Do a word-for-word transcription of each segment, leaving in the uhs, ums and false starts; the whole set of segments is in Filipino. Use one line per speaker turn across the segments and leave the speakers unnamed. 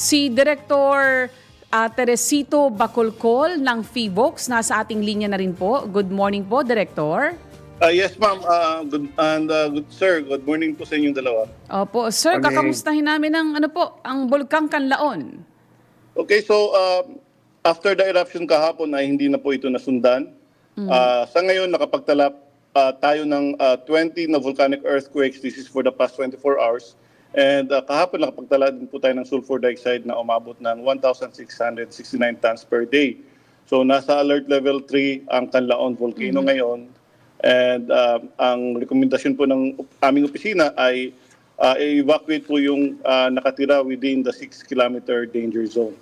Si Director ah, Teresito Bacolcol ng FIVOX nasa ating linya na rin po. Good morning po, Director.
Uh, yes, ma'am. Uh, good, and uh, good, sir, good morning po sa inyong dalawa.
Opo, sir,
Morning.
kakamustahin namin ang ano po, ang Bulkang Kanlaon.
Okay, so uh, after the eruption kahapon ay hindi na po ito nasundan. Uh, sa ngayon, nakapagtala uh, tayo ng uh, twenty na volcanic earthquakes. This is for the past twenty-four hours. And uh, kahapon, nakapagtala din po tayo ng sulfur dioxide na umabot ng one thousand six hundred sixty-nine tons per day. So nasa alert level three ang Canlaon volcano ngayon. And uh, ang rekomendasyon po ng aming opisina ay uh, evacuate po yung uh, nakatira within the six kilometer danger zone.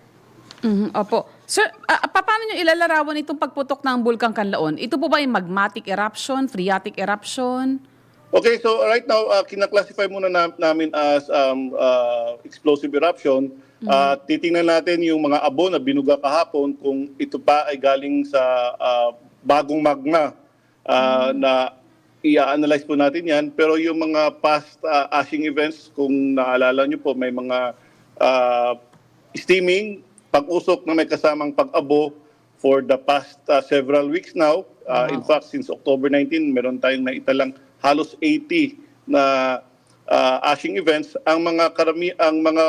Mhm, opo. Sir, ah, pa- paano nyo ilalarawan itong pagputok ng Bulkang Kanlaon? Ito po ba yung magmatic eruption, phreatic eruption?
Okay, so right now, uh, kinaklasify muna na, namin as um, uh, explosive eruption. Uh, titingnan natin yung mga abo na binuga kahapon kung ito pa ay galing sa uh, bagong magma uh, na i-analyze po natin yan. Pero yung mga past uh, ashing events, kung naalala nyo po, may mga uh, steaming, pag-usok na may kasamang pag-abo for the past uh, several weeks now. Uh, In fact, since October nineteenth, meron tayong naitalang halos eighty na uh, ashing events. Ang mga karami, ang mga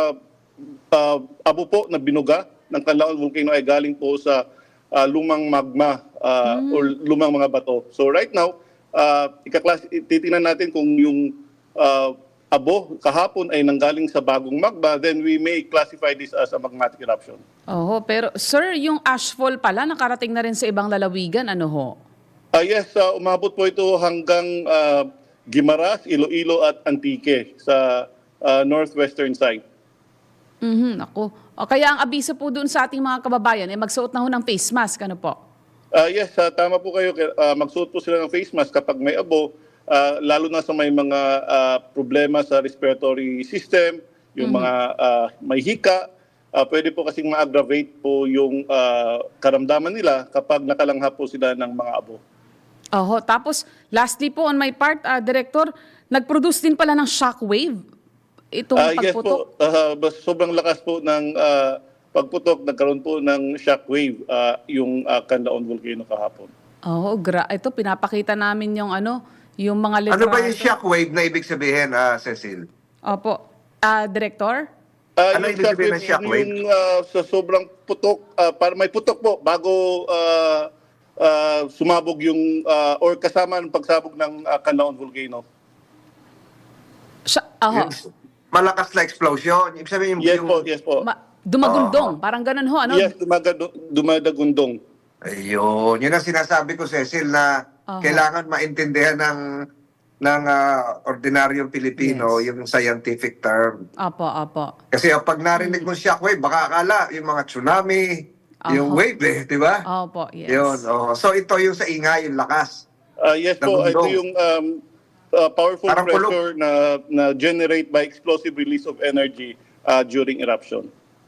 uh, abo po na binuga ng Canlaon Volcano ay galing po sa uh, lumang magma uh,
Mm.
or lumang mga bato. So right now, uh, ikaklas titingnan natin kung yung uh, abo kahapon ay nanggaling sa bagong magma, then we may classify this as a magmatic eruption.
Oho, pero sir, yung ashfall pala nakarating na rin sa ibang lalawigan, ano ho?
Ah yes, uh, umabot po ito hanggang uh, Guimaras, Iloilo at Antique sa uh, northwestern side.
Mhm, ako. O kaya ang abiso po doon sa ating mga kababayan ay magsuot na ho ng face mask, ano po?
Ah yes, uh, tama po kayo. Uh, magsuot po sila ng face mask kapag may abo, uh, lalo na sa may mga uh, problema sa respiratory system, yung mga uh, may hika. Uh, pwede po kasing ma-aggravate po yung uh, karamdaman nila kapag nakalangha po sila ng mga abo.
Oho, tapos lastly po on my part, ah, Director, nag-produce din pala ng shockwave itong
Ah, yes
pagputok.
po, uh, bas- sobrang lakas po ng uh, pagputok, nagkaroon po ng shockwave uh, yung uh, Canlaon Volcano kahapon.
Oo, gra ito pinapakita namin yung ano, yung mga
Ano ba yung
litrato.
shockwave na ibig sabihin, ah, Cecil?
Opo. Ah, Director?
Uh,
Ano
yung
ibig sabihin ng
shockwave,
shockwave?
Yung uh, sa sobrang putok, uh, para may putok po bago uh, uh, sumabog yung, uh, or kasama ng pagsabog ng uh, Canlaon Volcano.
Siya, oho.
Yung malakas na explosion. Ibig sabihin yung...
Yes
yung-
po, yes po.
Ma- dumagundong, parang ganun ho, ano?
Yes, dumagado, dumadagundong.
Ayun. Yun ang sinasabi ko, Cecil, na
Aha.
kailangan maintindihan ng ng ah, ordinaryong Pilipino
Yes.
yung scientific term.
Opo, opo.
Kasi pag narinig mo shockwave, baka akala yung mga tsunami, yung
Aha.
wave eh, di ba?
Opo, yes.
Yun. Oh. So ito yung sa ingay, yung lakas.
Uh, yes po, ito
Nagundong.
yung um, uh, powerful
Parang kulog.
pressure na, na generate by explosive release of energy uh, during eruption.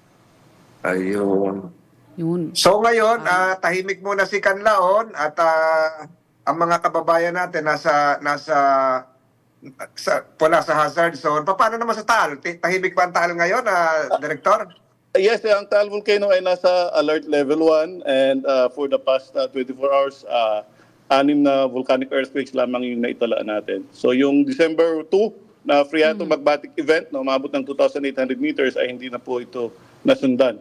Ayun.
Yun.
So ngayon, ah, tahimik muna si Canlaon at ah, ang mga kababayan natin nasa nasa sa wala sa hazard zone. Pa- Paano naman sa Taal? Ti- Tahimik ba ang Taal ngayon, ah, Director?
Yes, ang Taal Volcano ay nasa alert level one and uh, for the past uh, twenty-four hours, uh, anim na volcanic earthquakes lamang yung naitala natin. So yung December second na phreato-magmatic event na umabot ng two thousand eight hundred meters ay hindi na po ito nasundan.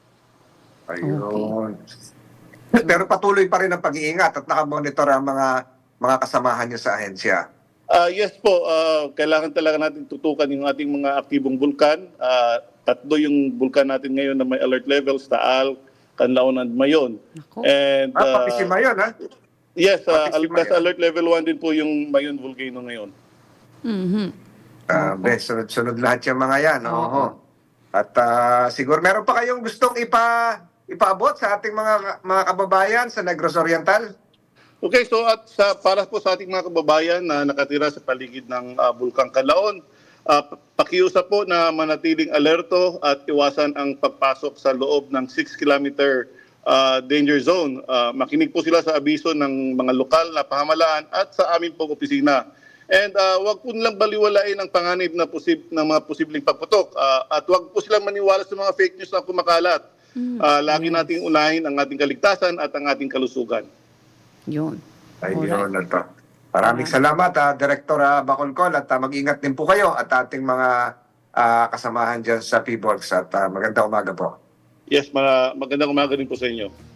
Ayun. Pero patuloy pa rin ang pag-iingat at nakamonitor ang mga mga kasamahan niyo sa ahensya.
Ah yes po, ah, kailangan talaga natin tutukan yung ating mga aktibong bulkan. Ah, tatlo yung bulkan natin ngayon na may alert levels, Taal, Canlaon, and Mayon.
Nako.
And
Ah,
ah,
pati si Mayon, ha?
yes, ah,
Pati si
al- nasa
Mayon.
alert level one din po yung Mayon Volcano ngayon.
Mhm.
Ah, bes, sunod-sunod lahat yung mga yan.
Oo.
Oo. At ah, siguro meron pa kayong gustong ipa ipaabot sa ating mga mga kababayan sa Negros Oriental?
Okay, so at sa para po sa ating mga kababayan na nakatira sa paligid ng ah, Bulkang Canlaon, ah, pakiusap po na manatiling alerto at iwasan ang pagpasok sa loob ng six kilometer ah, danger zone. Ah, makinig po sila sa abiso ng mga lokal na pamahalaan at sa amin pong opisina. And uh, wag po nilang baliwalain ang panganib na posib ng mga posibleng pagputok. Uh, at wag po silang maniwala sa mga fake news na kumakalat. Uh, lagi nating unahin ang ating kaligtasan at ang ating kalusugan.
Yun.
Ayun na to. Maraming salamat, ah, Director ah, Bacolcol, at ah, mag-ingat din po kayo at ating mga ah, kasamahan dyan sa P-Box at ah, magandang umaga po.
Yes, ma- magandang umaga din po sa inyo.